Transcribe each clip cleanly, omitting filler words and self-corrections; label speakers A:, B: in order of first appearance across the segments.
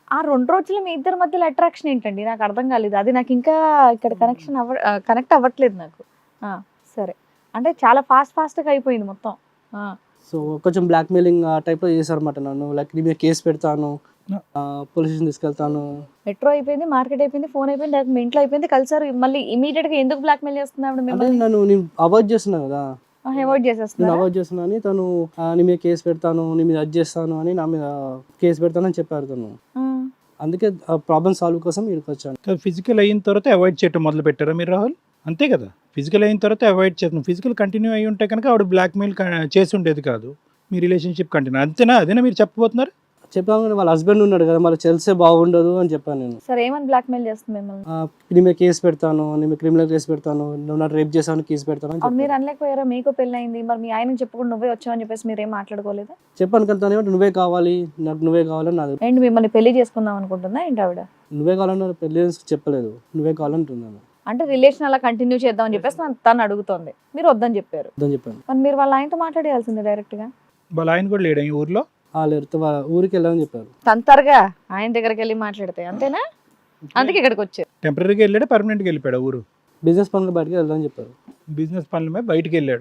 A: ఆ 2 రోజులు మీ ఇద్దరి మధ్యలో అట్రాక్షన్ ఏంటండి? నాకు అర్థం కాలేదు. అది నాకు ఇంకా ఇక్కడ కనెక్ట్ అవ్వట్లేదు నాకు. ఆ! సరే. అంటే చాలా ఫాస్ట్‌గా అయిపోయింది మొత్తం. ఆ!
B: సో కొంచెం బ్లాక్మెయిలింగ్ ఆ టైప్లో చేశారన్నమాట నన్ను. లైక్ నీ మీద కేసు పెడతాను, పోలీస్ స్టేషన్ తీసుకెళ్తాను.
A: మెట్రో అయిపోయింది, మార్కెట్ అయిపోయింది, ఫోన్ అయిపోయింది, డైరెక్ట్ మీ ఇంట్లో అయిపోయింది. కలిసారు. మళ్ళీ ఇమీడియట్‌గా ఎందుకు బ్లాక్‌మెయిల్ చేస్తుంది ఆవిడ
B: అంటే
A: మిమ్మల్ని?
B: నేను అవాయిడ్ చేస్తున్నా కదా,
A: అవాయిడ్
B: నేను
A: చేసేస్తున్నారా?
B: అవాయిడ్ చేస్తున్నా అని తను నీ మీద కేసు పెడతాను, నీ మీద అది చేస్తాను అని నా మీద కేసు పెడతానని చెప్పారు తను.
A: ఆ!
B: అందుకే ఆ ప్రాబ్లమ్ సాల్వ్ కోసం ఇక్కడికి వచ్చాను.
C: ఫిజికల్ అయిన తర్వాత అవాయిడ్ చేయటం మొదలు పెట్టారా మీరు రాహుల్? అంతే కదా, ఫిజికల్ అయిన తర్వాత అవాయిడ్ చేస్తాం. ఫిజికల్ కంటిన్యూ అయ్యి ఉంటే కనుక ఆవిడ బ్లాక్మెయిల్ చేసి ఉండేది కాదు, మీ రిలేషన్షిప్ కంటిన్యూ. అంతేనా? అదేనా మీరు చెప్పబోతున్నారు?
B: చెప్పాను కానీ వాళ్ళ హస్బెండ్ ఉన్నాడు కదా, మళ్ళీ తెలిసే బాగుండదు అని చెప్పాను నేను.
A: సరే ఏమని బ్లాక్‌మెయిల్ చేస్తుంది మిమ్మల్ని?
B: నీ మీద కేసు పెడతాను, నీ మీద క్రిమినల్ కేసు పెడతాను, నువ్వు నాకు రేప్ చేశాను కేసు పెడతాను అని
A: అప్పుడు మీరు
B: చెప్పాను.
A: అనలేకపోయారా? మీకు పెళ్ళయింది, మరి మీ ఆయనకి చెప్పకుండా నువ్వే వచ్చావని చెప్పేసి మీరేం మాట్లాడుకోలేదా?
B: చెప్పాను కానీ తను ఏమంటే నువ్వే కావాలి, నాకు నువ్వే కావాలని నాది.
A: ఏంటి మిమ్మల్ని పెళ్లి చేసుకుందాం అనుకుంటుందా ఏంటి ఆవిడ?
B: నువ్వే కావాలని పెళ్లి చెప్పలేదు, నువ్వే కావాలంటున్నాను
A: అంటే రిలేషన్ అలా కంటిన్యూ చేద్దాం అని చెప్పేసి తను అడుగుతోంది, మీరు వద్దని చెప్పారు.
B: అని చెప్పాను.
A: మరి మీరు వాళ్ళ ఆయనతో మాట్లాడేయాల్సింది డైరెక్ట్ గా.
C: వాళ్ళ ఆయన కూడా లేడా ఈ ఊర్లో?
B: లేరు, వాళ్ళ ఊరికి వెళ్ళామని చెప్పారు.
A: తంతరగా ఆయన దగ్గరికి వెళ్ళి మాట్లాడితే అంతేనా? అందుకే ఇక్కడికి వచ్చారు.
C: టెంపరీగా వెళ్ళాడా, పర్మనెంట్గా వెళ్ళిపోయాడు ఊరు?
B: బిజినెస్ పనులు బయటకి వెళ్దామని చెప్పారు.
C: బిజినెస్ పనుల మీద బయటికి వెళ్ళాడు.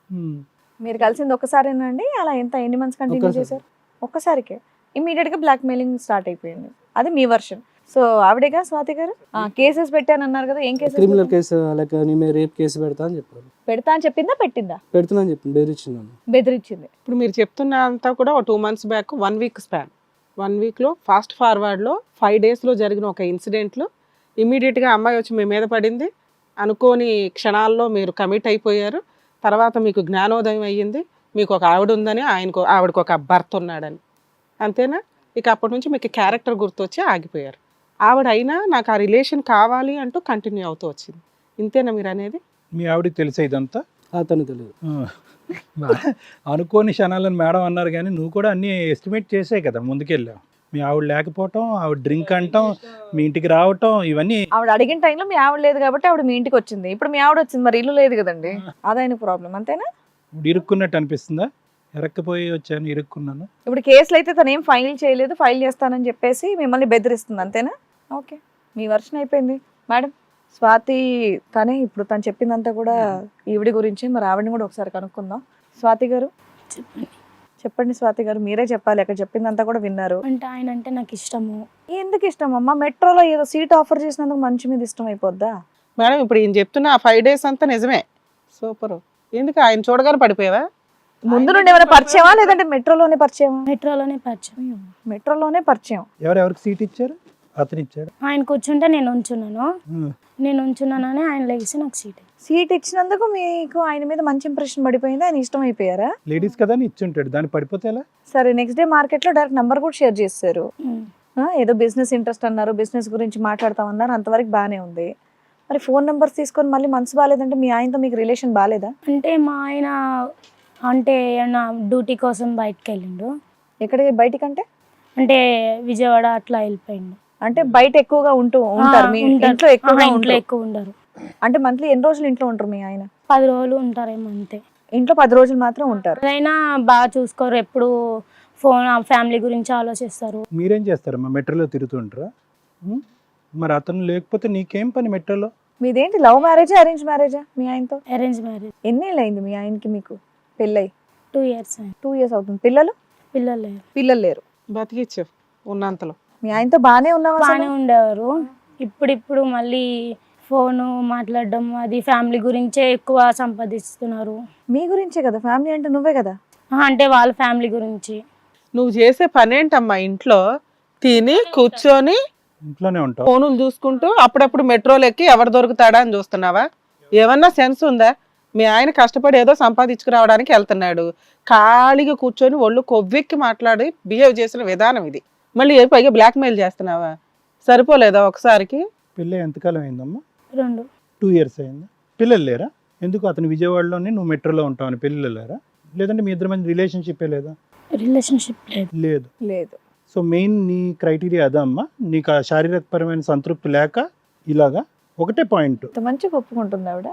A: మీరు కలిసింది ఒక్కసారేనండి? అలా ఎన్ని మంత్స్ కంటిన్యూ
B: ఒక్కసారి.
A: చేశారు? ఒక్కసారికే ఇమీడియట్ గా బ్లాక్ మెయిలింగ్ స్టార్ట్ అయిపోయింది. అది మీ వర్షన్. సో ఆవిడేగా స్వాతి గారు కేసెస్ పెట్టానన్నారు కదా, ఏం కేసెస్?
B: క్రిమినల్ కేసు, లైక్ నీ మీద రేప్ కేసు పెడతా అని చెప్పారు.
A: పెడతా అని చెప్పిందా పెట్టిందా?
B: పెడుతున్నా అని చెప్పింది, బెదిరించిందాను.
A: బెదిరించింది.
D: ఇప్పుడు మీరు చెప్తున్న అంతా కూడా ఒక 2 months బ్యాక్ 1 week స్పాన్. 1 weekలో ఫాస్ట్ ఫార్వర్డ్లో 5 daysలో జరిగిన ఒక ఇన్సిడెంట్లో ఇమీడియట్గా అమ్మాయి వచ్చి మీ మీద పడింది. అనుకోని క్షణాల్లో మీరు కమిట్ అయిపోయారు. తర్వాత మీకు జ్ఞానోదయం అయ్యింది, మీకు ఒక ఆవిడ ఉందని, ఆవిడకు ఒక భర్త ఉన్నాడని. అంతేనా? ఇక అప్పటి నుంచి మీకు క్యారెక్టర్ గుర్తొచ్చి ఆగిపోయారు. ఆవిడ అయినా నాకు ఆ రిలేషన్ కావాలి అంటూ కంటిన్యూ అవుతూ వచ్చింది. ఇంతేనా మీరు అనేది?
C: మీ ఆవిడకి తెలిసే ఇదంతా?
B: తను తెలియదు.
C: అనుకోని క్షణాలను మేడం అన్నారు, కానీ నువ్వు కూడా అన్ని ఎస్టిమేట్ చేసే కదా ముందుకెళ్ళావు. మీ ఆవిడ లేకపోవటం, ఆవిడ డ్రింక్ అంటాం, మీ ఇంటికి రావటం, ఇవన్నీ.
A: ఆవిడ అడిగిన టైంలో మీ ఆవిడ లేదు కాబట్టి ఆవిడ మీ ఇంటికి వచ్చింది. ఇప్పుడు మీ ఆవిడ వచ్చింది, మరి ఇల్లు లేదు కదండి, అదైన ప్రాబ్లం. అంతేనా?
C: ఇప్పుడు ఇరుక్కున్నట్టు అనిపిస్తుందా? ఎరక్కపోయి వచ్చాను, ఇరుక్కున్నాను.
A: ఇప్పుడు కేసులు అయితే తను ఏం ఫైల్ చేయలేదు, ఫైల్ చేస్తానని చెప్పేసి మిమ్మల్ని బెదిరిస్తుంది. అంతేనా? ఓకే, మీ వర్షన్ అయిపోయింది. మేడం స్వాతి తనే ఇప్పుడు తను చెప్పిందంతా కూడా ఈవిడి గురించి, మరి ఆవిడని కూడా ఒకసారి కనుక్కుందాం. స్వాతి గారు చెప్పండి. స్వాతి గారు మీరే చెప్పాలి, అక్కడ చెప్పిందంతా కూడా విన్నారు.
E: అంటే ఆయన అంటే నాకు ఇష్టము.
A: ఎందుకు ఇష్టం అమ్మా? మెట్రోలో ఏదో సీట్ ఆఫర్ చేసినందుకు మంచి మీద ఇష్టం అయిపోద్దా?
D: మేడం ఇప్పుడు ఈయన చెప్తున్న ఆ 5 days అంతా నిజమే. సూపర్. ఎందుకు ఆయన చూడగానే పడిపోయావా?
A: ముందు నుండి ఏమైనా పరిచయమా, లేదంటే మెట్రోలోనే పరిచయమా?
E: మెట్రోలోనే పరిచయం.
A: మెట్రోలోనే పరిచయం.
C: ఎవరెవరికి సీట్ ఇచ్చారు? అతను ఇచ్చాడు.
E: ఆయన కూర్చుంటే నేను ఉంచున్నానని ఆయన లేచి నాకు
A: సీట్ ఇచ్చినందుకు మీకు ఆయన మీద మంచి ఇంప్రెషన్ పడిపోయింది, ఆయన ఇష్టం అయిపోయారా?
C: లేడీస్ కదా అని ఇచ్చుంటాడు, దాన్ని పడిపోతే ఎలా?
A: సరే, నెక్స్ట్ డే మార్కెట్ లో డైరెక్ట్ నంబర్ కూడా షేర్ చేశారు. ఏదో బిజినెస్ ఇంట్రెస్ట్ అన్నారు, బిజినెస్ గురించి మాట్లాడతామన్నారు, అంతవరకు బాగానే ఉంది. మరి ఫోన్ నెంబర్స్ తీసుకొని మళ్ళీ మనసు బాగాలేదంటే మీ ఆయనతో మీకు రిలేషన్ బాగాలేదా?
E: అంటే మా ఆయన అంటే నా డ్యూటీ కోసం బయటకు వెళ్ళిండు.
A: ఎక్కడికి బయటికంటే?
E: అంటే విజయవాడ అట్లా వెళ్ళిపోయిండు.
A: అంటే బయట ఎక్కువగా ఉంటారు, మీ ఇంట్లో
E: ఎక్కువ ఉండరు.
A: అంటే మంత్లీ ఎన్ని రోజులు ఇంట్లో ఉంటారు మీ ఆయన?
E: 10 రోజులు ఉంటారేమో అంతే.
A: ఇంట్లో 10 రోజులు మాత్రం ఉంటారు.
E: అయినా బాగా చూసుకోరు, ఎప్పుడు ఫోన్ ఫ్యామిలీ గురించి ఆలోచిస్తారు.
C: మీరేం చేస్తారమ్మా? మెట్రోలో తిరుగుతుంటారా? మరి అతను లేకపోతే నీకేం పని మెట్రోలో?
A: మీదేంటి లవ్ మ్యారేజా అరేంజ్ మ్యారేజా మీ ఆయనతో?
E: Arrange marriage.
A: ఎన్నేళ్ళు అయింది మీ ఆయనకి మీకు పెళ్ళై?
E: 2 years.
A: 2 years అవుతుంది. పిల్లలు లేరు.
D: బతికిచ్చావు ఉన్నంతలో.
A: మీ ఆయనతో బాగానే ఉన్నావా?
E: బాగానే ఉండేవారు. ఇప్పుడు మళ్ళీ ఫోను మాట్లాడడం, అది ఫ్యామిలీ గురించే ఎక్కువ సంపాదిస్తున్నారు.
A: మీ గురించే కదా, ఫ్యామిలీ అంటే నువ్వే కదా.
E: అంటే వాళ్ళ ఫ్యామిలీ గురించి.
D: నువ్వు చేసే పని ఏంటమ్మా? ఇంట్లో తిని కూర్చొని
C: ఇంట్లోనే ఉంటావు,
D: ఫోనులు చూసుకుంటూ అప్పుడప్పుడు మెట్రోలు ఎక్కి ఎవరు దొరుకుతాడా అని చూస్తున్నావా? ఏమన్నా సెన్స్ ఉందా? మీ ఆయన కష్టపడి ఏదో సంపాదించుకురావడానికి వెళ్తున్నాడు, ఖాళీగా కూర్చొని ఒళ్ళు కొవ్వెక్కి మాట్లాడి బిహేవ్ చేసిన విధానం ఇది. మళ్ళీ పైగా బ్లాక్మెయిల్ చేస్తున్నావా? సరిపోలేదా ఒకసారికి?
C: పెళ్ళి ఎంతకాలం అయిందమ్మా?
E: 2
C: years అయిందా? పిల్లలు లేరా? ఎందుకు అతను విజయవాడలోనే నువ్వు మెట్రోలో ఉంటావు అని పిల్లలు లేరా? లేదంటే మీ ఇద్దరి మధ్య రిలేషన్షిప్ లేదా?
E: రిలేషన్షిప్
A: లేదు.
C: సో మెయిన్ నీ క్రైటీరియా అదా అమ్మా? నీకు ఆ శారీరకపరమైన సంతృప్తి లేక ఇలాగా ఒకటే పాయింట్.
A: మంచిగా ఒప్పుకుంటుంది ఆవిడ.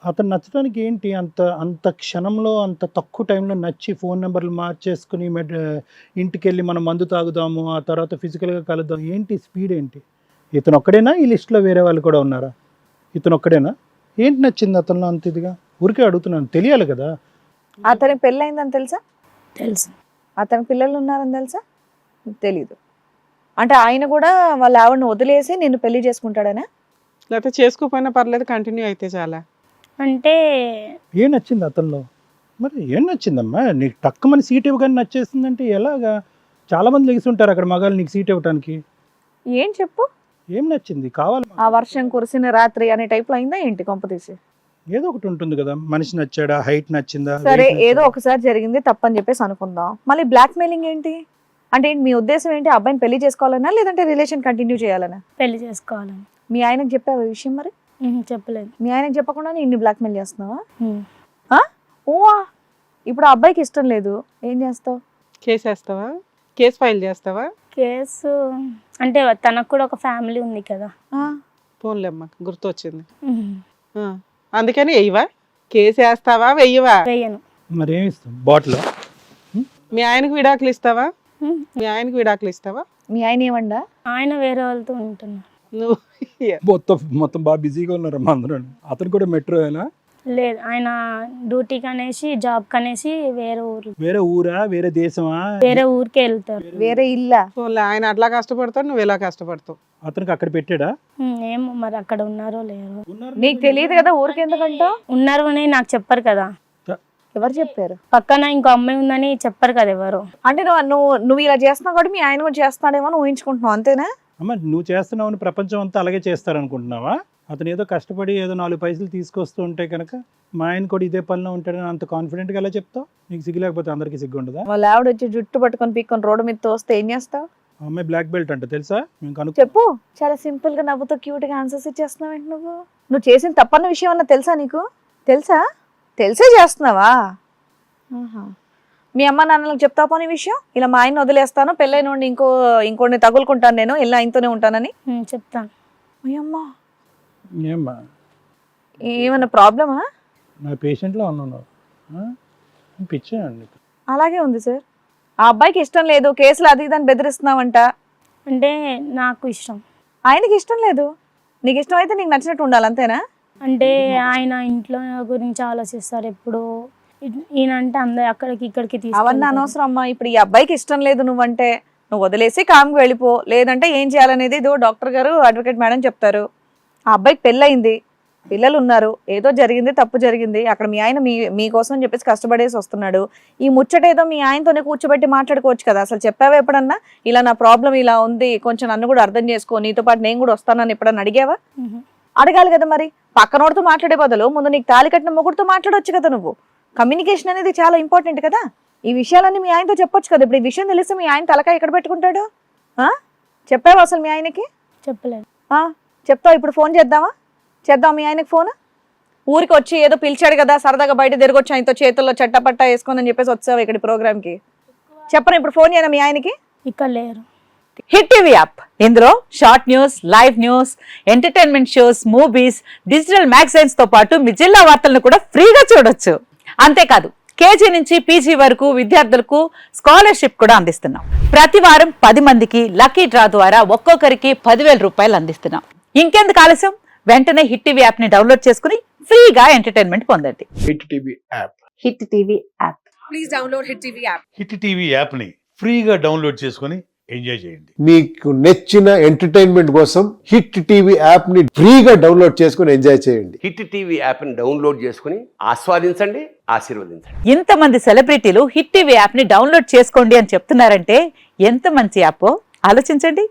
C: అతను నచ్చడానికి ఏంటి అంత అంత క్షణంలో అంత తక్కువ టైంలో నచ్చి ఫోన్ నెంబర్లు మార్చేసుకుని ఇంటికి వెళ్ళి మనం మందు తాగుదాము ఆ తర్వాత ఫిజికల్గా కలుద్దాం, ఏంటి స్పీడ్ ఏంటి? ఇతను ఒక్కడేనా ఈ లిస్ట్లో వేరే వాళ్ళు కూడా ఉన్నారా? ఇతను ఒక్కడేనా? ఏంటి నచ్చింది అతనిలో అంత ఇదిగా? ఊరికే అడుగుతున్నాను, తెలియాలి కదా.
A: అతనికి పెళ్ళయిందని తెలుసా?
E: తెలుసు.
A: అతనికి పిల్లలు ఉన్నారని తెలుసా? తెలీదు. అంటే ఆయన కూడా వాళ్ళ ఆవిడని వదిలేసి నిన్ను పెళ్లి చేసుకుంటాడనా?
D: లేకపోతే చేసుకోకపోయినా పర్లేదు, కంటిన్యూ అయితే చాలా.
E: అంటే
C: ఏం నచ్చింది అతనిలో? మరి ఏం నచ్చిందమ్మా? నీకు తక్కువ సీట్ ఇవ్వగానే నచ్చేస్తుందంటే ఎలాగా? చాలామంది లెగిసి ఉంటారు అక్కడ మగాళ్ళు నీకు సీట్ ఇవ్వడానికి.
A: ఏం చెప్పు?
C: ఏం నచ్చింది కావాలి?
A: ఆ వర్షం కురిసిన రాత్రి అనే టైప్లో అయిందా ఏంటి కొంపతీసి?
C: ఏదో ఒకటి ఉంటుంది కదా, మనిషి నచ్చాడా, హైట్ నచ్చిందా?
A: సరే, ఏదో ఒకసారి జరిగింది తప్పని చెప్పేసి అనుకుందాం. మళ్ళీ బ్లాక్ మెయిలింగ్ ఏంటి? అంటే ఏంటి మీ ఉద్దేశం ఏంటి? అబ్బాయిని పెళ్లి చేసుకోవాలనా లేదంటే రిలేషన్ కంటిన్యూ చేయాలనా?
E: పెళ్లి చేసుకోవాలని.
A: మీ ఆయనకు చెప్పావు ఈ విషయం? మరి
E: చెప్పలేదు.
A: మీ ఆయనకు చెప్పకుండా ఇన్ని బ్లాక్మెయిల్ చేస్తున్నావా?
E: ఉమ్.
A: ఓవా, ఇప్పుడు ఆ అబ్బాయికి ఇష్టం లేదు, ఏం చేస్తావు?
D: కేసు వేస్తావా? కేసు ఫైల్ చేస్తావా?
E: కేసు అంటే తనకు కూడా ఒక ఫ్యామిలీ ఉంది కదా.
D: పోన్లేమ్మా, గుర్తొచ్చింది. అందుకని వెయ్యవా? కేసు వేస్తావా వెయ్యవా?
E: వేయను.
C: మరి ఏమి ఇస్తాం? బాటిల్?
D: మీ ఆయనకు విడాకులు ఇస్తావా? మీ ఆయనకు విడాకులు ఇస్తావా?
A: మీ ఆయన ఏమండా?
E: ఆయన వేరే వాళ్ళతో ఉంటున్నారు.
D: నువ్వు
C: మొత్తం బాగా బిజీగా ఉన్నారమ్మా అందరూ. అతను కూడా మెట్రోనా?
E: లేదు, ఆయన డ్యూటీకి అనేసి జాబ్ కనేసి
C: వేరే ఊరా, వేరే దేశమా?
E: వేరే ఊరికే వెళ్తారు.
A: వేరే ఇల్లా?
D: పోన్లే, ఆయన అట్లా కష్టపడతాడు, నువ్వు ఇలా కష్టపడతావు.
C: అతనికి అక్కడ పెట్టాడా?
E: ఏమో మరి అక్కడ ఉన్నారో లేరో.
A: నీకు తెలియదు కదా ఊరికి ఎందుకంటావు?
E: ఉన్నారు అని నాకు చెప్పరు కదా.
A: ఎవరు చెప్పారు?
E: పక్కన ఇంకో అమ్మాయి ఉందని చెప్పరు కదా ఎవరు.
A: అంటే నువ్వు ఇలా చేస్తున్నావు కాబట్టి మీ ఆయన కూడా చేస్తున్నాడేమో అని ఊహించుకుంటున్నావు, అంతేనా?
C: అమ్మ, నువ్వు చేస్తున్నావు ప్రపంచం అంతా అలాగే చేస్తారనుకుంటున్నావా? అతను ఏదో కష్టపడి ఏదో 4 పైసలు తీసుకొస్తూ ఉంటే కనుక మా ఆయన కూడా ఇదే పనిలో ఉంటాడని అంత కాన్ఫిడెంట్గా ఎలా చెప్తావు? నీకు సిగ్గు లేకపోతే అందరికీ సిగ్గు ఉండదా?
A: వాళ్ళ ఆవిడ వచ్చి జుట్టు పట్టుకొని పీక్కొని రోడ్డు మీద తోస్తే ఏం చేస్తావు?
C: అమ్మాయి బ్లాక్ బెల్ట్ అంట, తెలుసా?
A: చెప్పు. చాలా సింపుల్ గా నవ్వుతూ క్యూట్ గా ఆన్సర్స్ ఇచ్చేస్తున్నావు ఏంటి నువ్వు చేసిన తప్పన్న విషయం అన్న తెలుసా నీకు? తెలిసే చేస్తున్నావా? మీ అమ్మ నాన్నలకు చెప్తావు పోనీ విషయం, ఇలా మా ఆయన వదిలేస్తాను, పెళ్ళైన ఇంకోటి తగులుకుంటాను, నేను ఇలా ఆయనతోనే ఉంటానని
E: చెప్తాను.
A: అయ్యమ్మా,
C: ఏమ్మా
A: ఏమన్నా ప్రాబ్లమా?
C: నా పేషెంట్లో ఉన్నాను, పిచ్చేయండి.
A: అలాగే ఉంది సార్. ఆ అబ్బాయికి ఇష్టం లేదు, కేసులు అది ఇదని బెదిరిస్తున్నావంట.
E: అంటే నాకు ఇష్టం,
A: ఆయనకి ఇష్టం లేదు. నీకు ఇష్టం అయితే నీకు నచ్చినట్టు ఉండాలి, అంతేనా?
E: అంటే ఆయన ఇంట్లో గురించి ఆలోచిస్తారు ఎప్పుడు. ఈయన అంటే అందరు అక్కడికి ఇక్కడికి
A: అవన్నీ అనవసరం అమ్మా. ఇప్పుడు ఈ అబ్బాయికి ఇష్టం లేదు నువ్వంటే, నువ్వు వదిలేసి కామ్కి వెళ్ళిపో. లేదంటే ఏం చేయాలనేది ఇదో డాక్టర్ గారు, అడ్వకేట్ మేడం చెప్తారు. ఆ అబ్బాయికి పెళ్ళయింది, పిల్లలు ఉన్నారు, ఏదో జరిగింది, తప్పు జరిగింది. అక్కడ మీ ఆయన మీకోసం చెప్పేసి కష్టపడేసి వస్తున్నాడు. ఈ ముచ్చట ఏదో మీ ఆయనతోనే కూర్చోబెట్టి మాట్లాడుకోవచ్చు కదా. అసలు చెప్పావా ఎప్పుడన్నా ఇలా నా ప్రాబ్లం ఇలా ఉంది, కొంచెం నన్ను కూడా అర్థం చేసుకో, నీతో పాటు నేను కూడా వస్తానని ఎప్పుడన్నా అడిగావా? అడగాలి కదా. మరి పక్కనోడితో మాట్లాడే బదులు ముందు నీకు తాళి కట్టిన మొగుడితో మాట్లాడొచ్చు కదా. నువ్వు కమ్యూనికేషన్ అనేది చాలా ఇంపార్టెంట్ కదా. ఈ విషయాలన్నీ మీ ఆయనతో చెప్పొచ్చు కదా. ఇప్పుడు ఈ విషయం తెలిస్తే మీ ఆయన తలకాయ ఎక్కడ పెట్టుకుంటాడు? చెప్పావా అసలు మీ ఆయనకి?
E: చెప్పలేదు.
A: చెప్తావు. ఇప్పుడు ఫోన్ చేద్దాం మీ ఆయనకి ఫోన్. ఊరికి వచ్చి ఏదో పిలిచాడు కదా, సరదాగా బయట తిరగొచ్చు ఆయనతో, చేతుల్లో చట్టపట్టా వేసుకొని అని చెప్పేసి వచ్చావు ఇక్కడ ప్రోగ్రామ్కి. చెప్పను ఇప్పుడు ఫోన్ చేయనా మీ ఆయనకి?
E: ఇక్కడ లేరు.
F: హిట్ టీవీ యాప్, ఇందులో short news, live news, entertainment shows, movies, digital magazines తో పాటు మీ జిల్లా వార్తలను కూడా ఫ్రీగా చూడొచ్చు. అంతేకాదు కేజీ నుంచి పీజీ వరకు విద్యార్థులకు స్కాలర్షిప్ కూడా అందిస్తున్నాం. ప్రతి వారం 10 మందికి లక్కీ డ్రా ద్వారా ఒక్కొక్కరికి 10,000 రూపాయలు అందిస్తున్నాం. ఇంకెందుకు ఆలస్యం, వెంటనే హిట్ టీవీ యాప్ ని డౌన్లోడ్ చేసుకుని ఫ్రీగా ఎంటర్టైన్మెంట్ పొందండి.
G: Hit TV app.
F: Hit TV app.
A: Please download hit TV app.
G: Hit TV app ని ఫ్రీగా డౌన్లోడ్ చేసుకొని ఎంజాయ్ చేయండి.
H: మీకు నచ్చిన ఎంటర్టైన్మెంట్ కోసం హిట్ టీవీ యాప్ ని ఫ్రీగా డౌన్లోడ్ చేసుకుని ఎంజాయ్ చేయండి.
I: హిట్ టీవీ యాప్ ని డౌన్లోడ్ చేసుకుని ఆస్వాదించండి, ఆశీర్వదించండి.
F: ఇంతమంది సెలబ్రిటీలు హిట్ టీవీ యాప్ ని డౌన్లోడ్ చేసుకోండి అని చెప్తున్నారంటే ఎంత మంచి యాప్ ఆలోచించండి.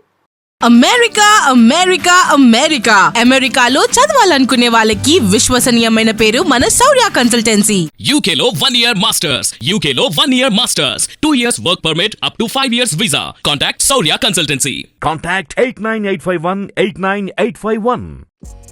J: అమెరికాలో చదవాలనుకునే వాళ్ళకి విశ్వసనీయమైన పేరు మన శౌర్య కన్సల్టెన్సీ.
K: UK లో 1 year masters, UK లో 1 year masters, 2 years work permit up to 5 years visa. Contact Saurya Consultancy.
L: Contact 89851 89851.